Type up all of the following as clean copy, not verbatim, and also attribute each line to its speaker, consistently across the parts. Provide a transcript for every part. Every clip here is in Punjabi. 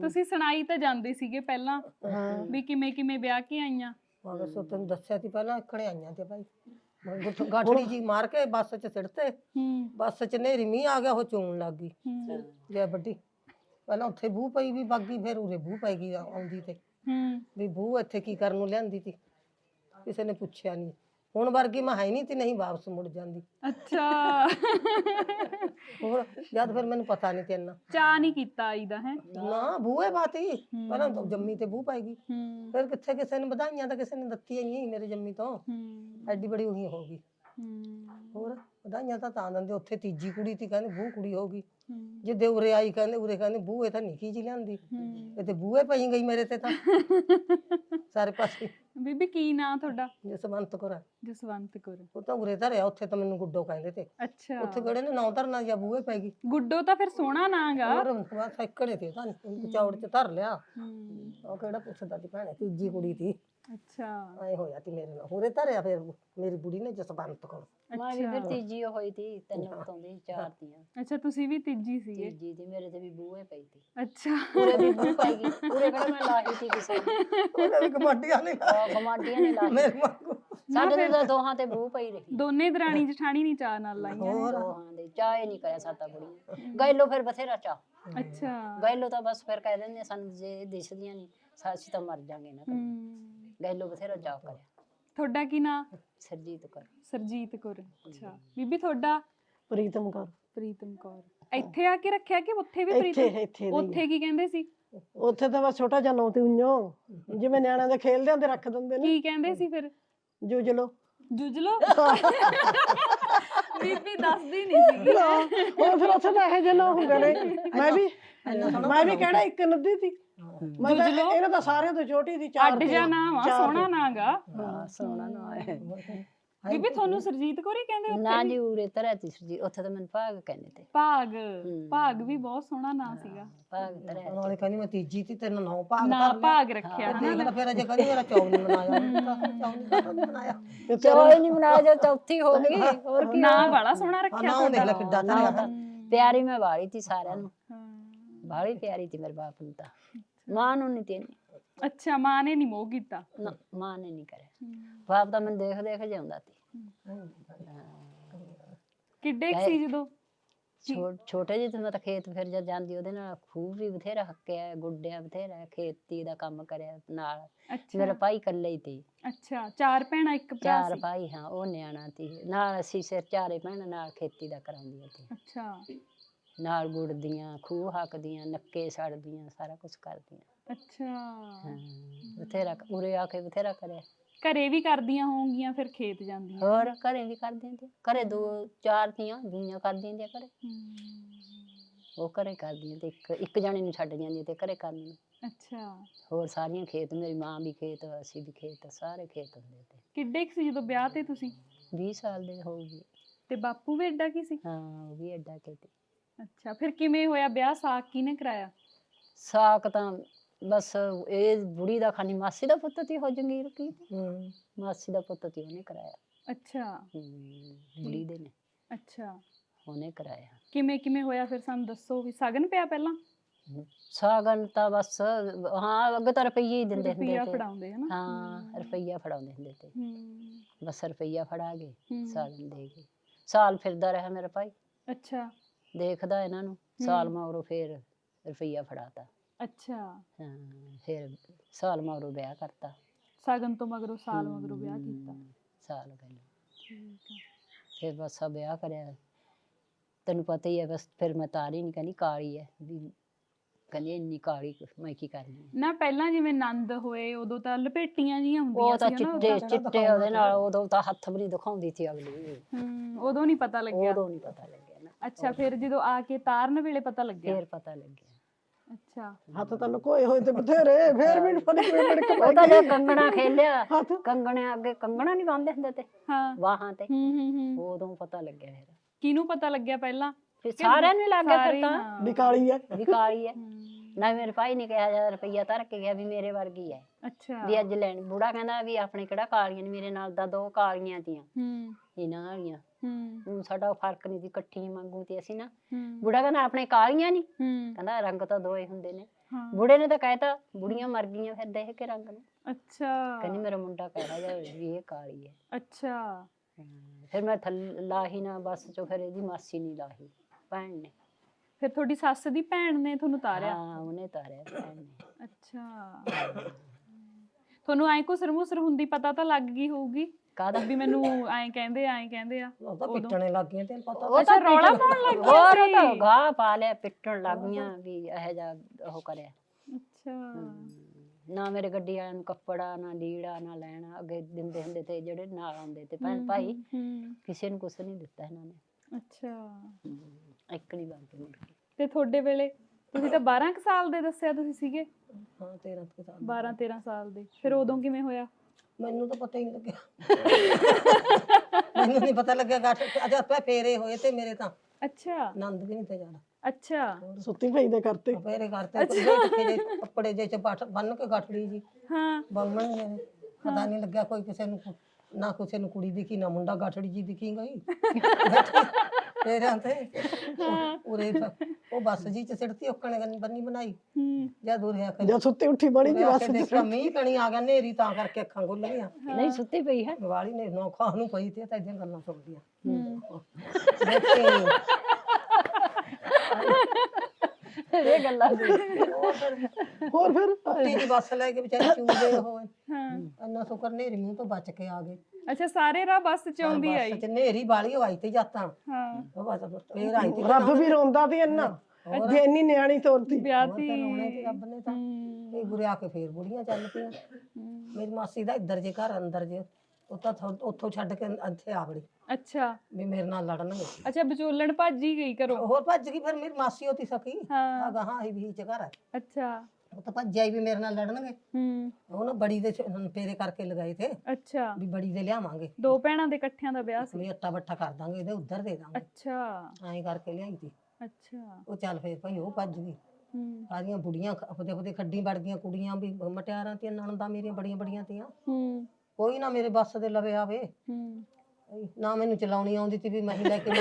Speaker 1: ਤੁਸੀਂ ਸੁਣਾਈ ਤਾਂ ਜਾਂਦੇ ਸੀਗੇ ਪਹਿਲਾਂ ਵੀ ਕਿਵੇਂ ਕਿਵੇਂ ਵਿਆਹ ਕੇ ਆਈਆਂ।
Speaker 2: ਮਗਰ ਸੋ ਤੈਨੂੰ ਦੱਸਿਆ ਸੀ ਪਹਿਲਾਂ ਇਕਣੇ ਆਈਆਂ ਤੇ ਭਾਈ ਗਾਠੜੀ ਜੀ ਮਾਰ ਕੇ ਬੱਸ 'ਚ ਸਿੱਟਤੇ। ਬੱਸ 'ਚ ਨੇਰੀ ਮੀਂਹ ਆ ਗਿਆ, ਉਹ ਚੋਣ ਲੱਗ ਗਈ ਜੈ ਵੱਡੀ। ਪਹਿਲਾਂ ਉੱਥੇ ਬੂਹ ਪਈ ਵੀ ਬਾਗੀ, ਫਿਰ ਉਰੇ ਬੂਹ ਪੈ ਗਈ ਆਉਂਦੀ ਤੇ ਵੀ ਬੂਹ ਇੱਥੇ ਕੀ ਕਰਨ ਨੂੰ ਲਿਆਂਦੀ ਤੀ, ਕਿਸੇ ਨੇ ਪੁੱਛਿਆ ਨਹੀਂ। ਹੁਣ ਵਰਗੀ ਮੈਂ ਹੈ ਨਹੀਂ ਤੀ, ਨਹੀਂ ਵਾਪਸ ਮੁੜ ਜਾਂਦੀ।
Speaker 1: ਅੱਛਾ
Speaker 2: ਹੋਰ ਜਦ ਫਿਰ ਮੈਨੂੰ ਪਤਾ ਨਹੀਂ ਤੇ ਇੰਨਾ
Speaker 1: ਚਾਹ ਨਹੀਂ ਕੀਤਾ ਆਈ ਦਾ ਹੈ
Speaker 2: ਨਾ। ਬੂਹੇ ਬਾਤੀ ਪਹਿਲਾਂ ਜੰਮੀ ਤੇ ਬੂਹ ਪਾਏਗੀ, ਫਿਰ ਕਿੱਥੇ ਕਿਸੇ ਨੇ ਵਧਾਈਆਂ ਤਾਂ ਕਿਸੇ ਨੇ ਦਿੱਤੀਆਂ ਹੀ ਮੇਰੇ ਜੰਮੀ ਤੋਂ। ਐਡੀ ਬੜੀ ਉਹੀ ਹੋ ਗਈ। ਹੋਰ ਵਧਾਈਆਂ ਤਾਂ ਦਿੰਦੇ। ਉੱਥੇ ਤੀਜੀ ਕੁੜੀ ਤੀ, ਕਹਿੰਦੇ ਬੂਹ ਕੁੜੀ ਹੋ ਗਈ। ਜਿੱਦੇ ਉਰੇ ਆਈ ਕਹਿੰਦੇ ਉਰੇ ਕਹਿੰਦੇ ਬੂਹ ਇਹ ਤਾਂ ਨਿੱਕੀ ਜੀ ਲਿਆਂਦੀ, ਇਹ ਤੇ ਬੂਹੇ ਪਈ ਗਈ ਮੇਰੇ ਤੇ ਤਾਂ ਸਾਰੇ ਪਾਸੇ।
Speaker 1: ਬੀਬੀ ਕੀ ਨਾਂ ਤੁਹਾਡਾ?
Speaker 2: ਜਸਵੰਤ ਕੌਰ।
Speaker 1: ਜਸਵੰਤ ਕੌਰ।
Speaker 2: ਉਹ ਤਾਂ ਉਰੇ ਧਰਿਆ, ਉੱਥੇ ਤਾਂ ਮੈਨੂੰ ਗੁੱਡੋ ਕਹਿੰਦੇ ਤੇ।
Speaker 1: ਅੱਛਾ
Speaker 2: ਉੱਥੇ ਕਿਹੜੇ ਨੇ ਨਾਂ ਧਰਨਾ ਜਾਂ ਬੂਹੇ ਪੈ ਗਈ।
Speaker 1: ਗੁੱਡੋ ਤਾਂ ਫਿਰ ਸੋਹਣਾ ਨਾਂ ਗਾ।
Speaker 2: ਹੋਰ ਬਸ ਇੱਕੜੇ ਤੇ ਤਾਂ ਚੌੜ 'ਚ ਧਰ ਲਿਆ। ਉਹ ਕਿਹੜਾ ਪੁੱਛਦਾ ਤੀ ਭੈਣੇ, ਤੀਜੀ ਕੁੜੀ ਤੀ।
Speaker 1: ਅੱਛਾ
Speaker 2: ਐ ਹੋਇਆ ਤੀ ਮੇਰੇ ਨਾਲ। ਹੋਰੇ ਧਰਿਆ ਫਿਰ ਮੇਰੀ ਬੁੜੀ ਨੇ ਜਸਵੰਤ ਕੌਰ।
Speaker 3: ਮੈਂ ਵੀ ਫਿਰ ਤੀਜੀ ਹੋਈ ਤੀ, 3 ਬਤਾਉਂਦੀ 4 ਤੀਆਂ।
Speaker 1: ਅੱਛਾ ਤੁਸੀਂ ਵੀ ਤੀਜੀ ਸੀਗੇ?
Speaker 3: ਤੀਜੀ ਦੀ ਮੇਰੇ ਤੇ ਵੀ ਬੂਹੇ ਪਈ ਤੀ।
Speaker 1: ਅੱਛਾ
Speaker 3: ਪੂਰੇ ਵੀ ਬੂਹ ਪਈ ਗਈ। ਪੂਰੇ ਕਿਹੜਾ ਮੈਂ ਲਾਹੀ ਤੀ ਕਿਸੇ ਨੇ,
Speaker 2: ਉਹਨੇ ਵੀ ਕਮਾਡੀਆਂ ਨੇ
Speaker 3: ਗਮਾਡੀਆਂ ਨੇ ਲਾਹੀ।
Speaker 2: ਮੇਰੇ ਵਾਂਗੂ।
Speaker 3: ਸਾਡੇ ਤਾਂ ਦੋਹਾਂ ਤੇ ਬੂਹ ਪਈ ਰਹੀ।
Speaker 1: ਦੋਨੇ ਦਰਾਣੀ ਜਠਾਣੀ ਨਹੀਂ ਚਾਹ ਨਾਲ ਲਾਈਆਂ?
Speaker 3: ਦੋਹਾਂ ਦੇ ਚਾਹ ਨਹੀਂ ਕਰਿਆ ਸਾਤਾ ਬੁੜੀਆਂ। ਗੈਲੋ ਫਿਰ ਬਥੇਰਾ ਚਾਹ।
Speaker 1: ਅੱਛਾ
Speaker 3: ਗੈਲੋ ਤਾਂ ਬਸ ਫਿਰ ਕਹਿ ਦਿੰਦੇ ਸਾਨੂੰ ਜੇ ਦਿਸਦੀਆਂ ਨਹੀਂ ਅਸੀਂ ਤਾਂ ਮਰ ਜਾਾਂਗੇ ਨਾ। ਗੈਲੋ ਬਥੇਰਾ ਚਾਹ ਕਰਿਆ।
Speaker 1: ਤੁਹਾਡਾ ਕੀ ਨਾਂ?
Speaker 3: ਸਰਜੀਤ ਕੌਰ।
Speaker 1: ਸਰਜੀਤ ਕੌਰ। ਅੱਛਾ ਬੀਬੀ ਤੁਹਾਡਾ?
Speaker 2: ਪ੍ਰੀਤਮ ਕੌਰ।
Speaker 1: ਪ੍ਰੀਤਮ ਕੌਰ। ਇੱਥੇ ਆ ਕੇ ਰੱਖਿਆ ਕਿ ਉੱਥੇ ਵੀ ਪ੍ਰੀਤਮ? ਉੱਥੇ ਕੀ ਕਹਿੰਦੇ ਸੀ?
Speaker 2: ਉੱਥੇ ਤਾਂ ਬਸ ਛੋਟਾ ਜਿਹਾ ਨਾਂ ਤੇ ਉਈਓ, ਜਿਵੇਂ ਨਿਆਣਿਆਂ ਦੇ ਖੇਲਦੇ ਹੁੰਦੇ ਰੱਖ ਦਿੰਦੇ ਨੇ।
Speaker 1: ਕੀ ਕਹਿੰਦੇ ਸੀ ਫਿਰ?
Speaker 2: ਜੁਜਲੋ।
Speaker 1: ਜੁਜਲੋ? ਬੀਬੀ ਦੱਸਦੀ ਨਹੀਂ ਸੀ।
Speaker 2: ਹੋਰ ਫਿਰ ਉੱਥੇ ਤਾਂ ਇਹੋ ਜਿਹੇ ਨਾਂ ਹੁੰਦੇ ਨੇ। ਮੈਂ ਵੀ ਕਿਹੜਾ ਇੱਕ ਨਦੀ ਸੀ। ਇਹਨਾਂ ਤਾਂ ਸਾਰਿਆਂ ਤੋਂ ਛੋਟੀ ਸੀ।
Speaker 1: ਅੱਡ ਜਾ ਨਾਂ ਵਾ, ਸੋਹਣਾ ਨਾਂ ਗਾ।
Speaker 3: ਸੋਹਣਾ ਨਾਂ ਹੈ।
Speaker 1: ਬੀਬੀ ਤੁਹਾਨੂੰ ਸਰਜੀਤ ਕੌਰ ਹੀ ਕਹਿੰਦੇ?
Speaker 3: ਨਾ ਜੀ ਉਰੇ ਧਰਿਆ ਤੀ ਸਰਜੀਤ, ਉੱਥੇ ਤਾਂ ਮੈਨੂੰ ਭਾਗ ਕਹਿੰਦੇ ਤੇ।
Speaker 1: ਭਾਗ? ਭਾਗ ਵੀ ਬਹੁਤ ਸੋਹਣਾ ਨਾਂ ਸੀਗਾ।
Speaker 3: ਭਾਗ ਧਰਿਆ।
Speaker 2: ਨਾਲੇ ਕਹਿੰਦੀ ਮੈਂ ਤੀਜੀ ਤੀ, ਤੈਨੂੰ 9 ਭਾਗ
Speaker 1: ਨਾ ਭਾਗ ਰੱਖਿਆ
Speaker 2: ਹਨਾ। ਫਿਰ ਅਜੇ ਕਹਿੰਦੀ ਮੇਰਾ ਚੌਲ ਨਹੀਂ ਬਣਾਇਆ।
Speaker 3: ਚੌਲ ਨਹੀਂ ਬਣਾਇਆ ਜਦ ਚੌਥੀ ਹੋ ਗਈ। ਹੋਰ ਕੀ
Speaker 1: ਨਾਂ ਬੜਾ ਸੋਹਣਾ ਰੱਖਿਆ।
Speaker 2: ਨਾ ਦੇਖ ਲੈ ਕਿੱਦਾਂ ਧਰਿਆ।
Speaker 3: ਪਿਆਰੀ ਮੈਂ ਵਾਲੀ ਤੀ ਸਾਰਿਆਂ ਨੂੰ, ਵਾਲੀ ਪਿਆਰੀ ਤੀ ਮੇਰੇ ਬਾਪ ਨੂੰ ਤਾਂ। ਮਾਂ ਨੂੰ ਨਹੀਂ ਤੇ।
Speaker 1: ਅੱਛਾ ਮਾਂ ਨੇ ਨੀ ਮੋਹ ਕੀਤਾ?
Speaker 3: ਨਾ ਮਾਂ ਨੇ ਨਹੀਂ ਕਰਿਆ। ਬਾਪ ਤਾਂ ਮੈਨੂੰ ਦੇਖ ਦੇਖ ਜਾਂਦਾ ਤੀ।
Speaker 1: ਕਿੱਡੇ ਸੀ ਜਦੋਂ?
Speaker 3: ਛੋਟੇ ਜਿਹੇ ਤੇ ਮੈਂ ਤਾਂ ਖੇਤ ਫਿਰ ਜਦ ਜਾਂਦੀ ਉਹਦੇ ਨਾਲ ਖੂਬ ਵੀ ਬਥੇਰਾ ਹੱਕਿਆ, ਗੁੱਡਿਆ ਬਥੇਰਾ, ਖੇਤੀ ਦਾ ਕੰਮ ਕਰਿਆ ਨਾਲ। ਮੇਰਾ ਭਾਈ ਇਕੱਲੇ ਹੀ ਤੀ।
Speaker 1: ਅੱਛਾ 4 ਭੈਣਾਂ 1 ਭਰਾ?
Speaker 3: 4 ਭਾਈ ਹਾਂ, ਉਹ ਨਿਆਣਾ ਤੀ ਨਾਲ। ਅਸੀਂ ਸਿਰ 4 ਭੈਣਾਂ ਨਾਲ ਖੇਤੀ ਦਾ ਕਰਾਉਂਦੀਆਂ ਤੀ।
Speaker 1: ਅੱਛਾ
Speaker 3: ਨਾਲ ਗੁੜਦੀਆਂ, ਖੂਹ ਹੱਕਦੀਆਂ, ਨੱਕੇ ਸੜਦੀਆਂ, ਸਾਰਾ ਕੁਝ ਕਰਦੀਆਂ।
Speaker 1: ਅੱਛਾ
Speaker 3: ਹਾਂ ਬਥੇਰਾ ਉਰੇ ਆ ਕੇ ਬਥੇਰਾ ਕਰਿਆ।
Speaker 1: ਘਰੇ ਵੀ ਕਰਦੀਆਂ ਹੋਣਗੀਆਂ ਫਿਰ ਖੇਤ ਜਾਂਦੀਆਂ?
Speaker 3: ਹੋਰ ਘਰੇ ਵੀ ਕਰਦੀਆਂ ਤੇ। ਘਰੇ 2-4 ਤੀਆਂ ਦੂਈਆਂ ਕਰਦੀਆਂ ਤੇ ਘਰੇ। ਉਹ ਘਰੇ ਕਰਦੀਆਂ ਤੇ ਇੱਕ ਜਾਣੇ ਨੂੰ ਛੱਡ ਜਾਂਦੀਆਂ ਤੇ ਘਰੇ ਕਰਨੀਆਂ।
Speaker 1: ਅੱਛਾ
Speaker 3: ਹੋਰ ਸਾਰੀਆਂ ਖੇਤ, ਮੇਰੀ ਮਾਂ ਵੀ ਖੇਤ, ਅਸੀਂ ਵੀ ਖੇਤ, ਸਾਰੇ ਖੇਤ ਹੁੰਦੇ ਤੇ।
Speaker 1: ਕਿੱਡੇ ਸੀ ਜਦੋਂ ਵਿਆਹ ਤੇ ਤੁਸੀਂ?
Speaker 3: 20 ਸਾਲ ਦੇ ਹੋਊਗੀ।
Speaker 1: ਤੇ ਬਾਪੂ ਵੀ ਐਡਾ ਕੀ ਸੀ?
Speaker 3: ਹਾਂ ਉਹ ਵੀ ਐਡਾ ਕੇ ਤੇ।
Speaker 1: ਅੱਛਾ ਫਿਰ ਕਿਵੇਂ ਹੋਇਆ ਵਿਆਹ? ਸਾਕ ਕਿਹਨੇ ਕਰਾਇਆ?
Speaker 3: ਸਾਕ ਤਾਂ ਬਸ ਇਹ ਬੁੜੀ ਦਾ ਖਾਨੀ ਮਾਸੀ ਦਾ ਪੁੱਤ ਤੀ। ਹੋ ਜੰਗੀਰ ਕੀ ਮਾਸੀ ਦਾ ਪੁੱਤ ਤੀ, ਉਹਨੇ ਕਰਾਇਆ।
Speaker 1: ਅੱਛਾ
Speaker 3: ਬੁੜੀ ਦੇ ਨੇ।
Speaker 1: ਅੱਛਾ
Speaker 3: ਉਹਨੇ ਕਰਾਇਆ।
Speaker 1: ਕਿਵੇਂ ਹੋਇਆ ਫਿਰ ਸਾਨੂੰ ਦੱਸੋ। ਵੀ ਸ਼ਗਨ ਪਿਆ ਪਹਿਲਾਂ?
Speaker 3: ਸਾਗਨ ਤਾਂ ਬਸ ਹਾਂ ਅੱਗੇ ਤਾਂ ਰੁਪਈਏ ਹੀ ਦਿੰਦੇ ਹੁੰਦੇ
Speaker 1: ਰੁਪਈਆ
Speaker 3: ਤੇ।
Speaker 1: ਫੜਾਉਂਦੇ ਹਨਾ?
Speaker 3: ਹਾਂ ਰੁਪਈਆ ਫੜਾਉਂਦੇ ਹੁੰਦੇ ਤੇ। ਬਸ ਰੁਪਈਆ ਫੜਾ ਗਏ, ਸਾਗਨ ਦੇ ਗਏ। ਸਾਲ ਫਿਰਦਾ ਰਿਹਾ ਮੇਰਾ ਭਾਈ।
Speaker 1: ਅੱਛਾ
Speaker 3: ਦੇਖਦਾ ਇਹਨਾਂ ਨੂੰ। ਸਾਲ ਮਗਰੋਂ ਫੇਰ ਰੁਪਈਆ ਫੜਾਤਾ।
Speaker 1: ਅੱਛਾ
Speaker 3: ਹਾਂ ਫਿਰ ਸਾਲ ਮਗਰੋਂ ਵਿਆਹ ਕਰਤਾ।
Speaker 1: ਸ਼ਗਨ ਤੋਂ ਮਗਰੋਂ ਸਾਲ ਮਗਰੋਂ ਵਿਆਹ ਕੀਤਾ?
Speaker 3: ਸਾਲ ਪਹਿਲਾਂ। ਫਿਰ ਬਸ ਆ ਵਿਆਹ ਕਰਿਆ। ਤੈਨੂੰ ਪਤਾ ਹੀ ਹੈ ਬਸ। ਫਿਰ ਮੈਂ ਤਾਰੀ ਨਹੀਂ, ਕਹਿੰਦੀ ਕਾਲੀ ਹੈ ਵੀ, ਕਹਿੰਦੀ ਇੰਨੀ ਕਾਲੀ ਮੈਂ ਕੀ ਕਰਨੀ
Speaker 1: ਨਾ। ਪਹਿਲਾਂ ਜਿਵੇਂ ਨੰਦ ਹੋਏ ਉਦੋਂ ਤਾਂ ਲਪੇਟੀਆਂ ਜੀਆਂ ਹੁੰਦੀਆਂ
Speaker 3: ਸੀ। ਉਹ ਤਾਂ ਚਿੱਟੇ ਉਹਦੇ ਨਾਲ, ਉਦੋਂ ਤਾਂ ਹੱਥ ਵੀ ਨਹੀਂ ਦਿਖਾਉਂਦੀ ਸੀ ਅਗਲੀ।
Speaker 1: ਉਦੋਂ ਨਹੀਂ ਪਤਾ ਲੱਗਿਆ?
Speaker 3: ਉਦੋਂ ਨਹੀਂ ਪਤਾ ਲੱਗਿਆ ਨਾ।
Speaker 1: ਅੱਛਾ ਫਿਰ ਜਦੋਂ ਆ ਕੇ ਤਾਰਨ ਵੇਲੇ ਪਤਾ ਲੱਗਿਆ?
Speaker 3: ਫਿਰ ਪਤਾ ਲੱਗਿਆ।
Speaker 1: ਅੱਛਾ
Speaker 2: ਹੱਥ ਤਾਂ ਲੁਕੋਏ ਹੋਏ ਤੇ ਬਥੇਰੇ। ਫੇਰ ਵੀ
Speaker 3: ਉਹ ਤਾਂ ਜੇ ਕੰਗਣਾ ਖੇਲਿਆ, ਕੰਗਣੇ ਅੱਗੇ ਕੰਗਣਾ ਨਹੀਂ ਬੰਨ੍ਹਦੇ ਹੁੰਦੇ ਤੇ ਬਾਹਾਂ ਤੇ, ਉਦੋਂ ਪਤਾ ਲੱਗਿਆ। ਫਿਰ
Speaker 1: ਕਿਹਨੂੰ ਪਤਾ ਲੱਗਿਆ ਪਹਿਲਾਂ?
Speaker 3: ਫਿਰ ਸਾਰਿਆਂ ਨੂੰ ਲੱਗ ਗਿਆ ਫਿਰ ਤਾਂ
Speaker 2: ਵੀ ਕਾਲੀ ਹੈ,
Speaker 3: ਵੀ ਕਾਲੀ ਹੈ। ਨਾ ਮੇਰੇ ਭਾਈ ਨੇ ਕਿਹਾ 1000 ਰੁਪਈਆ ਧਰ ਕੇ ਗਿਆ ਵੀ ਮੇਰੇ ਵਰਗੀ ਹੈ।
Speaker 1: ਅੱਛਾ
Speaker 3: ਵੀ ਅੱਜ ਲੈਣ। ਬੁੜਾ ਕਹਿੰਦਾ ਵੀ ਆਪਣੇ ਕਿਹੜਾ ਕਾਲੀਆਂ ਨੇ, ਮੇਰੇ ਨਾਲ ਤਾਂ 2 ਕਾਲੀਆਂ ਤੀਆਂ ਇਹਨਾਂ ਵਾਲੀਆਂ। ਸਾਡਾ ਫਰਕ ਨਹੀਂ ਸੀ, ਇਕੱਠੀ ਮੰਗੂ ਤੇ ਅਸੀਂ ਨਾ। ਬੁੜਾ ਕਹਿੰਦਾ ਆਪਣੇ ਕਾਲੀਆਂ ਨੀ, ਕਹਿੰਦਾ ਰੰਗ ਤਾਂ 2 ਹੀ ਹੁੰਦੇ ਨੇ।
Speaker 1: ਹਾਂ
Speaker 3: ਬੁੜੇ ਨੇ ਤਾਂ ਕਹਿਤਾ, ਬੁੜੀਆਂ ਮਰ ਗਈਆਂ ਫਿਰ ਦੇਖ ਕੇ ਰੰਗ ਨੂੰ।
Speaker 1: ਅੱਛਾ
Speaker 3: ਕਹਿੰਦੀ ਮੇਰਾ ਮੁੰਡਾ ਕਹਿ ਰਿਹਾ ਵੀ ਇਹ ਕਾਲੀ ਹੈ।
Speaker 1: ਅੱਛਾ
Speaker 3: ਫਿਰ ਮੈਂ ਲਾਹੀ ਨਾ ਬੱਸ ਚੋਂ, ਫਿਰ ਇਹਦੀ ਮਾਸੀ ਨਹੀਂ ਲਾਹੀ, ਭੈਣ ਨੇ।
Speaker 1: ਫਿਰ ਤੁਹਾਡੀ ਸੱਸ ਦੀ ਭੈਣ ਨੇ ਤੁਹਾਨੂੰ ਤਾਰਿਆ?
Speaker 3: ਹਾਂ ਉਹਨੇ ਤਾਰਿਆ ਭੈਣ ਨੇ।
Speaker 1: ਅੱਛਾ ਤੁਹਾਨੂੰ ਐਂ ਘੁਸਰ ਮੁਸਰ ਹੁੰਦੀ ਪਤਾ ਤਾਂ ਲੱਗ ਗਈ ਹੋਊਗੀ
Speaker 3: ਕਾਹਦਾ?
Speaker 1: ਵੀ ਮੈਨੂੰ ਐਂ ਕਹਿੰਦੇ ਆ
Speaker 2: ਉਹ ਤਾਂ ਪਿੱਟਣੇ ਲੱਗ ਗਈਆਂ ਤੈਨੂੰ ਪਤਾ
Speaker 3: ਉਹ
Speaker 1: ਅੱਛਾ ਰੌਲਾ ਪਾਉਣ ਲੱਗ ਗਿਆ
Speaker 3: ਹੋਰ
Speaker 1: ਸੀ।
Speaker 3: ਤਾਂ ਗਾਹ ਪਾ ਲਿਆ, ਪਿੱਟਣ ਲੱਗ ਗਈਆਂ ਵੀ ਇਹ ਜਾ ਉਹ ਕਰਿਆ।
Speaker 1: ਅੱਛਾ
Speaker 3: ਨਾ ਮੇਰੇ ਗੱਡੀ ਵਾਲਿਆਂ ਨੂੰ ਕੱਪੜਾ, ਨਾ ਲੀੜਾ, ਨਾ ਲੈਣਾ। ਅੱਗੇ ਦਿੰਦੇ ਹੁੰਦੇ ਤੇ ਜਿਹੜੇ ਨਾਲ ਆਉਂਦੇ ਤੇ ਭੈਣ ਭਾਈ, ਕਿਸੇ ਨੂੰ ਕੁਛ ਨਹੀਂ ਦਿੱਤਾ ਇਹਨਾਂ ਨੇ।
Speaker 1: ਅੱਛਾ
Speaker 3: ਇੱਕ ਨਹੀਂ ਬਣ ਕੇ ਮੁੜ ਕੇ।
Speaker 1: ਤੇ ਤੁਹਾਡੇ ਵੇਲੇ ਤੁਸੀਂ ਤਾਂ 12 ਕੁ ਸਾਲ ਦੇ ਦੱਸਿਆ ਤੁਸੀਂ ਸੀਗੇ?
Speaker 2: ਹਾਂ 13 ਸਾਲ
Speaker 1: 12 13 ਸਾਲ ਦੇ। ਫਿਰ ਉਦੋਂ ਕਿਵੇਂ ਹੋਇਆ?
Speaker 2: ਮੈਨੂੰ ਤਾਂ ਪਤਾ ਹੀ ਨਹੀਂ ਲੱਗਿਆ। ਮੈਨੂੰ ਨਹੀਂ ਪਤਾ ਲੱਗਿਆ ਗੱਠ ਅਜਾ ਆਪੇ ਫੇਰੇ ਹੋਏ ਤੇ ਮੇਰੇ ਤਾਂ
Speaker 1: ਅੱਛਾ
Speaker 2: ਆਨੰਦ ਵੀ ਨਹੀਂ ਤੇ ਜਾਣਾ।
Speaker 1: ਅੱਛਾ
Speaker 4: ਸੁੱਤੀ ਪਈ ਦੇ ਕਰਤੇ
Speaker 2: ਫੇਰੇ ਕਰਤੇ ਜੇ ਕੱਪੜੇ ਜੇ ਚ ਬੰਨ ਕੇ ਗੱਠੜੀ ਜੀ
Speaker 1: ਹਾਂ
Speaker 2: ਬੰਨਣ ਨੇ ਪਤਾ ਨਹੀਂ ਲੱਗਿਆ ਕੋਈ ਕਿਸੇ ਨੂੰ, ਨਾ ਕਿਸੇ ਨੂੰ ਕੁੜੀ ਦਿਖੀ ਨਾ ਮੁੰਡਾ ਗੱਠੜੀ ਜੀ ਦਿਖੀ ਗਈ। ਫੇਰਾਂ ਤੇ ਉਰੇ ਉਹ ਬੱਸ ਜੀ ਚ ਸਿੱਟਤੀ ਔਕਣੇ ਬੰਨੀ ਬਣਾਈ ਜਦ ਉਰੇ ਕਰੀ
Speaker 4: ਜਾਂ ਸੁੱਤੀ ਉੱਠੀ ਬਣੀ ਜੀ ਬਸ
Speaker 2: ਦੇਖਿਆ ਮੀਂਹ ਕਣੀ ਆ ਗਿਆ ਨੇਰੀ ਤਾਂ ਕਰਕੇ ਅੱਖਾਂ ਖੁੱਲ ਗਈਆਂ।
Speaker 3: ਨਹੀਂ ਸੁੱਤੀ ਪਈ ਹੈ।
Speaker 2: ਵਾਲੀ ਨੇ ਨੌ ਖਾਂ ਨੂੰ ਪਈ ਤੇ ਤਾਂ ਇਦਾਂ ਗੱਲਾਂ ਸੁਣਦੀਆਂ
Speaker 3: ਇਹ ਗੱਲਾਂ ਸੀ।
Speaker 4: ਹੋਰ ਫਿਰ
Speaker 2: ਕੁੱਤੀ ਦੀ ਬੱਸ ਲੈ ਕੇ ਵਿਚਾਰੇ ਚੂਦੇ ਹੋਏ।
Speaker 1: ਹਾਂ
Speaker 2: ਇੰਨਾ ਸ਼ੁਕਰ ਨੇਰੀ ਮੂੰਹ ਤੋਂ ਬਚ ਕੇ ਆ ਗਏ।
Speaker 1: ਅੱਛਾ ਸਾਰੇ ਰਾਹ ਬੱਸ ਚ ਆਉਂਦੀ ਆਈ?
Speaker 2: ਬੱਸ ਚ ਨੇਰੀ ਵਾਲੀ ਆਈ ਤੇ ਜਾਤਾਂ
Speaker 1: ਹਾਂ
Speaker 2: ਉਹ ਬਸ ਫੇਰ ਆਈ ਤੇ
Speaker 4: ਰੱਬ ਵੀ ਰੋਂਦਾ ਤੇ ਇੰਨਾ ਜੇ ਇੰਨੀ ਨਿਆਣੀ ਤੋਰਤੀ।
Speaker 1: ਵਿਆਹਤੀ
Speaker 2: ਰੋਣੇ ਤੇ ਰੱਬ ਨੇ ਤਾਂ ਇਹ ਗੁਰੇ ਆ ਕੇ ਫੇਰ ਬੁੜੀਆਂ ਚੱਲ ਪਈਆਂ। ਮੇਰੀ ਮਾਸੀ ਦਾ ਇੱਧਰ ਜੇ ਘਰ ਅੰਦਰ ਜੇ ਉਹ ਤਾਂ ਉੱਥੋਂ ਛੱਡ ਕੇ ਇੱਥੇ ਆ ਵੜੀ
Speaker 1: ਅੱਛਾ
Speaker 2: ਵੀ ਮੇਰੇ ਨਾਲ ਲੜਨਗੇ।
Speaker 1: ਅੱਛਾ ਵਿਚੋਲਣ ਭੱਜ ਹੀ ਗਈ ਘਰੋਂ?
Speaker 2: ਹੋਰ ਭੱਜ ਗਈ ਫਿਰ ਮੇਰੀ ਮਾਸੀ ਉਹਦੀ ਸਕੀ
Speaker 1: ਹਾਂ
Speaker 2: ਆ ਗਾਹਾਂ ਆਈ ਵੀ ਚ ਘਰ ਹੈ।
Speaker 1: ਅੱਛਾ
Speaker 2: ਉਹ ਤਾਂ ਭੱਜ ਆਈ ਵੀ ਮੇਰੇ ਨਾਲ ਲੜਨਗੇ। ਉਹ ਨਾ ਬੜੀ ਦੇ ਫੇਰੇ ਕਰਕੇ ਲਗਾਏ ਤੇ
Speaker 1: ਅੱਛਾ
Speaker 2: ਵੀ ਬੜੀ ਦੇ ਲਿਆਵਾਂਗੇ,
Speaker 1: ਦੋ ਭੈਣਾਂ ਦੇ ਇਕੱਠਿਆਂ ਦਾ ਵਿਆਹ ਸੀ?
Speaker 2: ਵੀ ਅੱਟਾ ਬੱਠਾ ਕਰ ਦਾਂਗੇ ਇਹਦੇ ਉੱਧਰ ਦੇ ਦਾਂਗੇ,
Speaker 1: ਅੱਛਾ
Speaker 2: ਐਂ ਕਰਕੇ ਲਿਆਈ ਤੀ।
Speaker 1: ਅੱਛਾ
Speaker 2: ਉਹ ਚੱਲ ਫੇਰ ਭਾਈ ਉਹ ਭੱਜ ਗਈ। ਸਾਰੀਆਂ ਬੁੜੀਆਂ ਉਹਦੇ ਉਹਦੇ ਖੱਡੀ ਵੜ ਗਈਆਂ, ਕੁੜੀਆਂ ਵੀ ਮਟਿਆਰਾਂ ਤੇ ਨਣਦਾਂ ਮੇਰੀਆਂ ਬੜੀਆਂ ਬੜੀਆਂ ਤੀਆਂ। ਕੋਈ ਨਾ ਮੇਰੇ ਬੱਸ ਦੇ ਲਵੇ ਆਵੇ, ਨਾ ਮੈਨੂੰ ਚਲਾਉਣੀ ਆਉਂਦੀ ਤੀ ਵੀ ਮੈਂ ਹੀ ਲੈ ਕੇ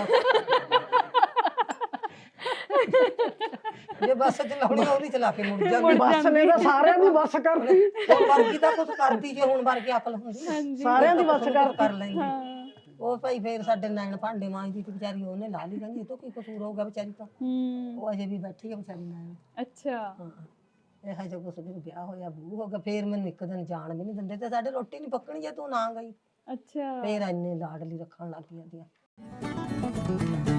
Speaker 2: ਜੇ ਬੱਸ ਚਲਾਉਣੀ ਆਉਂਦੀ ਚਲਾ ਕੇ ਮੁੜ ਜਾਂਦੀ।
Speaker 4: ਬੱਸ ਨੇ ਤਾਂ ਸਾਰਿਆਂ ਦੀ ਬੱਸ ਕਰਤੀ।
Speaker 2: ਹੁਣ ਵਰਗੀ ਤਾਂ ਕੁਛ ਕਰਦੀ ਜੇ ਹੁਣ ਵਰਗੀ ਅਕਲ ਹੁੰਦੀ
Speaker 4: ਸਾਰਿਆਂ ਦੀ ਬੱਸ
Speaker 2: ਕਰ ਲੈਂਦੀ। ਉਹ ਭਾਈ ਫੇਰ ਸਾਡੇ ਨੈਣ ਭਾਂਡੇ ਮਾਂਜਦੀ ਤੇ ਵਿਚਾਰੀ ਉਹਨੇ ਲਾ ਲਈ, ਕਹਿੰਦੀ ਇਹ ਤੋਂ ਕੀ ਕਸੂਰ ਹੋਊਗਾ ਵਿਚਾਰੀ ਤਾਂ, ਉਹ ਅਜੇ ਵੀ ਬੈਠੀ ਆ ਵਿਚਾਰੀ ਨੈਣ।
Speaker 1: ਅੱਛਾ
Speaker 2: ਹਾਂ ਇਹੋ ਜਿਹਾ ਕੁਛ ਵੀ ਵਿਆਹ ਹੋਇਆ ਬੂ ਹੋ ਗਿਆ। ਫੇਰ ਮੈਨੂੰ ਇੱਕ ਦਿਨ ਜਾਣ ਵੀ ਨਹੀਂ ਦਿੰਦੇ ਤੇ ਸਾਡੇ ਰੋਟੀ ਨਹੀਂ ਪੱਕਣੀ ਜੇ ਤੂੰ ਨਾ ਗਈ।
Speaker 1: ਅੱਛਾ
Speaker 2: ਫੇਰ ਇੰਨੇ ਲਾਡਲੀ ਰੱਖਣ ਲੱਗ ਜਾਂਦੀਆਂ।